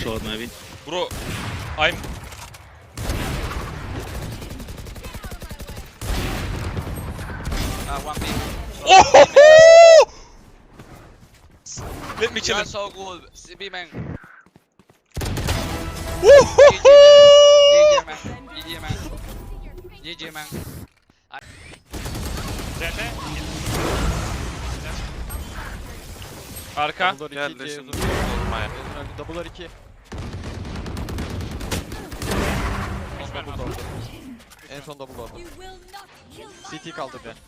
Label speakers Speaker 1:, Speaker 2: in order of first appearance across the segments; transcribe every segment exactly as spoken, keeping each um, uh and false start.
Speaker 1: short maybe.
Speaker 2: Bro, I'm...
Speaker 3: Uh, one B.
Speaker 2: Oh! Let me
Speaker 3: You
Speaker 2: kill
Speaker 3: are
Speaker 2: him.
Speaker 3: so good. C B man.
Speaker 2: Woohoo!
Speaker 3: G G man. G G man. G G man.
Speaker 2: Arka.
Speaker 4: Gel resim.
Speaker 5: Double'lar iki. En son double oldu. C T kaldı bir.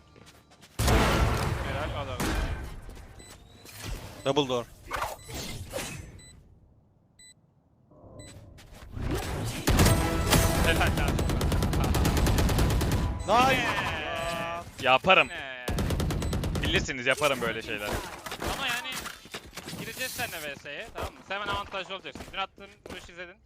Speaker 2: Helal adam.
Speaker 4: Double door.
Speaker 2: Helal lan.
Speaker 5: Nice.
Speaker 2: Yaparım. Bilirsiniz yaparım böyle şeyler.
Speaker 6: Ama yani gireceğiz seninle V S'ye, tamam mı? Sen hemen avantajlı olacaksın. Dün attığın vuruş izledin.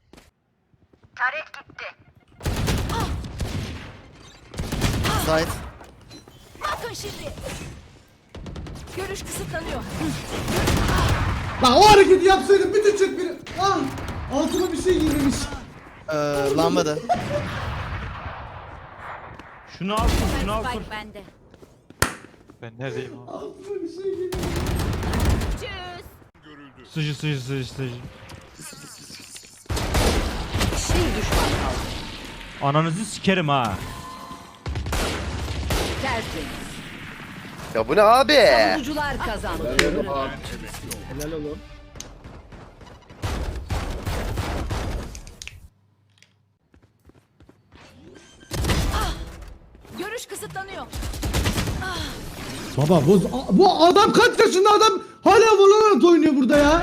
Speaker 7: Side.
Speaker 8: Bakın şimdi. Görüş kısıtlanıyor.
Speaker 9: Lan o hareketi yapsaydım bir düşecek biri. Ah! Altıma bir şey girmemiş.
Speaker 7: Ee, lambada.
Speaker 1: Şunu al, şunu al.
Speaker 8: Spike bende.
Speaker 5: Ben neredeyim abi?
Speaker 9: Altıma bir şey girmemiş.
Speaker 8: Tschüss.
Speaker 1: Sıcı sıcı sıcı sıcı.
Speaker 8: Bir düşman kaldı.
Speaker 1: Ananızı sikerim ha.
Speaker 8: Tertemiz.
Speaker 7: Ya bu ne abi?
Speaker 8: Savunucular kazandı.
Speaker 9: Helal oğlum.
Speaker 8: Görüş kısıtlanıyor.
Speaker 9: Baba bu, bu adam kaç yaşında adam hala Valorant oynuyor burada ya.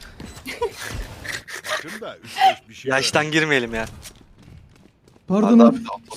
Speaker 4: Yaştan girmeyelim ya.
Speaker 9: Pardon abi.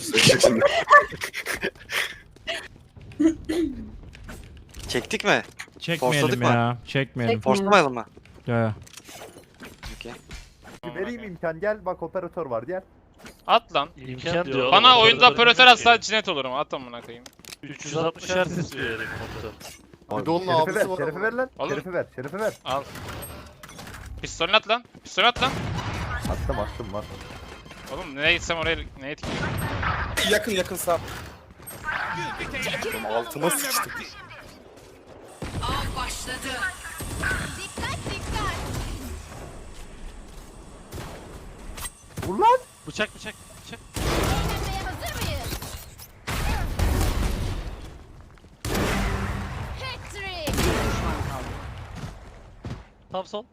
Speaker 4: Çektik mi?
Speaker 1: Çekmeyelim
Speaker 4: Forsladık mı?
Speaker 1: ya. Çekmeyelim.
Speaker 4: Forslamayalım mı?
Speaker 1: Ya ya.
Speaker 4: Okey.
Speaker 10: Vereyim imkan, gel bak operatör var, gel.
Speaker 6: At lan.
Speaker 11: İmkan diyor.
Speaker 6: Bana oyunda operatör atsa cinet olurum. At amına koyayım.
Speaker 11: üç yüz altmış hertz istiyor herif komutan.
Speaker 10: Bir de onun abisi ver, şerefi ver lan.
Speaker 6: Oğlum.
Speaker 10: Şerefi ver, şerefi ver.
Speaker 6: Al. Pistolünü at lan. Pistolünü at lan.
Speaker 10: Attım attım var.
Speaker 6: Oğlum nereye gitsem oraya neye tikeyim?
Speaker 4: Yakın yakın sağ. Altıma sıçtım.
Speaker 8: Av başladı. Dikkat dikkat.
Speaker 10: Vur lan!
Speaker 6: Bıçak bıçak bıçak.
Speaker 8: Eğlenmeye hazır mıyız? Hat-trick. Bir düşman kaldı.
Speaker 11: Tam sol.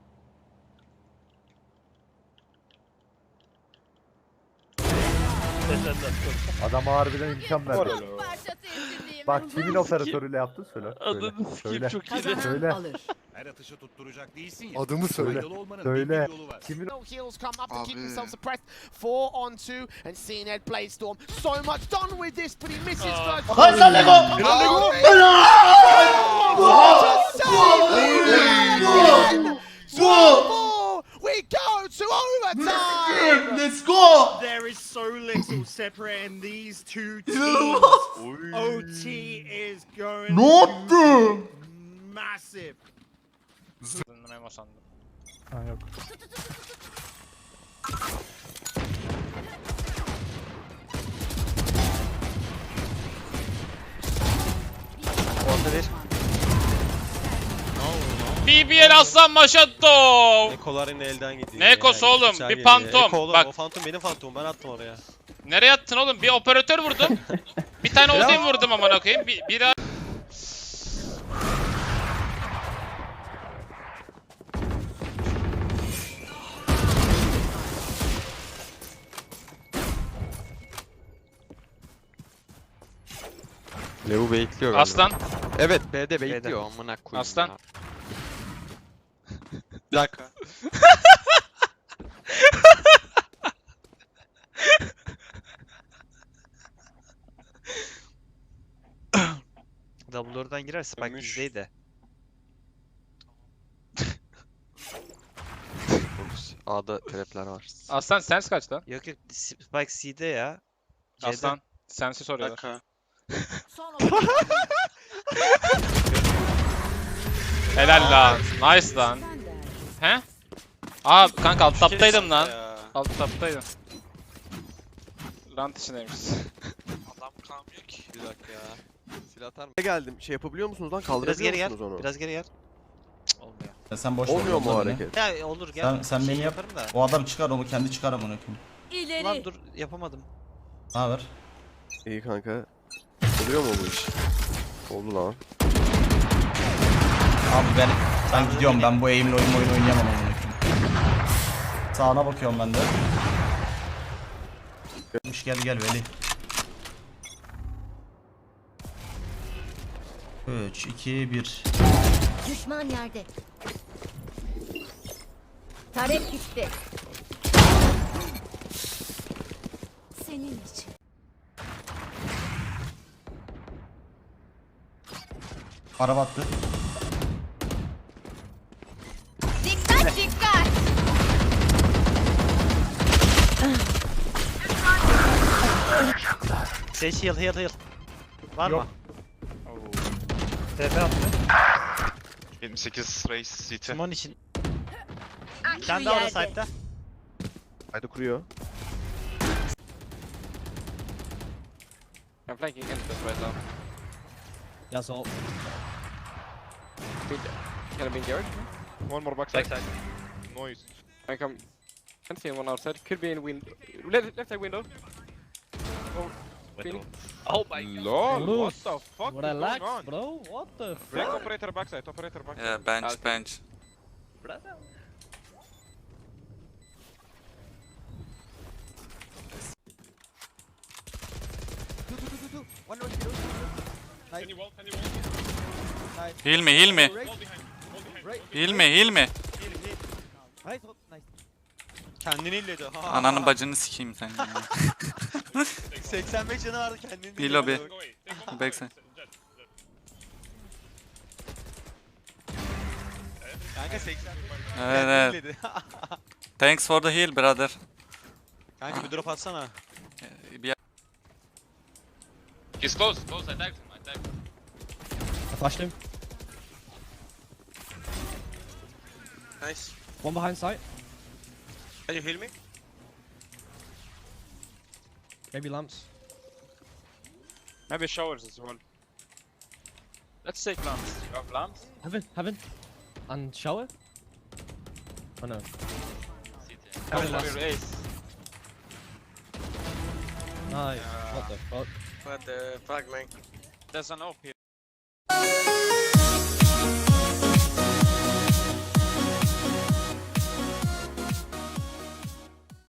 Speaker 10: Adam harbiden imkan verdi.
Speaker 8: Parça teslimliyim.
Speaker 10: Bak kimin operatörüyle yaptın söyle. Söyle.
Speaker 11: Adını
Speaker 10: Söyle.
Speaker 11: sikeyim çok iyi.
Speaker 10: Söyle.
Speaker 8: Alır.
Speaker 12: Her atışı tutturacak değilsin ya.
Speaker 10: Adımı söyle.
Speaker 12: Faydalı olmanın
Speaker 10: Söyle.
Speaker 12: bin bir yolu var.
Speaker 10: Kimin
Speaker 13: Heels come up to keep himself suppressed. Four on two, and Cned plays Storm. So much done with this, but he misses first.
Speaker 9: Hadi sen Lego!
Speaker 13: We go to overtime.
Speaker 9: Let's go!
Speaker 12: There is so little separating these two teams. O T is going
Speaker 9: Ne yaptın?
Speaker 12: massive.
Speaker 6: Memo sandım.
Speaker 5: Ha yok.
Speaker 4: Orta bir.
Speaker 6: B B L Aslan Maşatto.
Speaker 4: Ekolar yine elden gidiyor.
Speaker 6: Ne ekosu oğlum?
Speaker 4: Güzel
Speaker 6: Bir
Speaker 4: geliyor.
Speaker 6: pantom.
Speaker 4: Eko oğlum,
Speaker 6: Bak.
Speaker 4: o fantom benim fantomum, ben attım oraya.
Speaker 6: Nereye attın oğlum? Bir operatör vurdum. Bir tane Odin vurdum amına koyayım. Bir, bir
Speaker 5: Levu bekliyor galiba.
Speaker 6: Aslan.
Speaker 5: Evet B'de bekliyor amına koyayım.
Speaker 6: Aslan.
Speaker 5: ya.
Speaker 4: Bir dakika.
Speaker 7: Double door'dan girer Spike bizdeydi.
Speaker 5: A'da trapler var.
Speaker 6: Aslan sens kaç lan?
Speaker 7: Yok yok Spike C'de ya. C'de.
Speaker 6: Aslan sensi
Speaker 4: Bir
Speaker 6: soruyorlar.
Speaker 4: dakika.
Speaker 8: Son olarak.
Speaker 6: Helal lan. Nice lan. He? Aa kanka alt taptaydım lan.
Speaker 4: Ya.
Speaker 6: Alt taptaydım. Rant içindeymişiz.
Speaker 3: Adam kalmıyor ki.
Speaker 5: Bir dakika ya. Silah atar mı?
Speaker 4: Geldim. Şey yapabiliyor musunuz lan?
Speaker 7: Biraz
Speaker 4: Kaldırabiliyor
Speaker 7: geri gel.
Speaker 4: musunuz onu?
Speaker 7: Biraz geri gel.
Speaker 11: Olmuyor.
Speaker 10: Sen boş
Speaker 4: Olmuyor mu o hareket?
Speaker 7: Ya olur gel.
Speaker 10: Sen- sen
Speaker 7: Bir
Speaker 10: beni yap.
Speaker 7: yaparım da.
Speaker 10: O adam çıkar onu kendi çıkar amına koyayım.
Speaker 8: İleri.
Speaker 7: Ulan dur yapamadım.
Speaker 10: Ne haber?
Speaker 4: İyi kanka. Oluyor mu bu iş? Oldu lan.
Speaker 10: Abi ben ben gidiyorum. Ben bu aim'le oyun oyun oynayamam amına koyayım. Sağına bakıyorum ben de. Gelmiş gel gel Veli. üç iki bir.
Speaker 8: Düşman yerde. Tarek gitti. Senin için.
Speaker 10: Araba attı.
Speaker 8: Dikkat dikkat.
Speaker 7: Seç heal heal heal. Var mı?
Speaker 1: T P attı.
Speaker 2: yetmiş sekiz Race C T.
Speaker 7: Simon için.
Speaker 8: Şu
Speaker 7: Sen de orada
Speaker 8: yerde.
Speaker 7: site'da.
Speaker 4: Haydi kuruyor.
Speaker 6: I'm flanking into this right now.
Speaker 11: Yes, all.
Speaker 6: Can I be in Garrett?
Speaker 5: One more backside.
Speaker 2: Backside.
Speaker 5: Noise.
Speaker 6: I come. Can't see one outside. Could be in window. Left, left side window. Phoenix.
Speaker 5: Oh my god. Lol, what the fuck
Speaker 11: Relax,
Speaker 5: is going on?
Speaker 11: bro. What the
Speaker 5: Break
Speaker 11: fuck?
Speaker 5: operator backside, operator backside.
Speaker 2: Yeah, bench, bench. Heal me, heal me. Heal me, heal me.
Speaker 4: Kendini illedi. Ha.
Speaker 2: Ananın bacını sikeyim sen.
Speaker 4: seksen beş canı vardı kendini.
Speaker 2: Bir lobby. Backside.
Speaker 4: Kanka seksen.
Speaker 2: Evet, evet. Thanks for the heal, brother.
Speaker 4: Kanka bir drop atsana.
Speaker 2: Bir
Speaker 6: He's close, close. I tagged him. I tagged him.
Speaker 11: I flashed him.
Speaker 4: Nice.
Speaker 11: One behind sight.
Speaker 4: Can you heal me?
Speaker 11: Maybe lamps.
Speaker 6: Maybe showers as well. Let's take lamps. You have lamps?
Speaker 11: Heaven, heaven. And shower? Oh no.
Speaker 6: Heaven last. Ace.
Speaker 11: Nice. What the fuck?
Speaker 4: What the fuck man?
Speaker 6: There's an op here.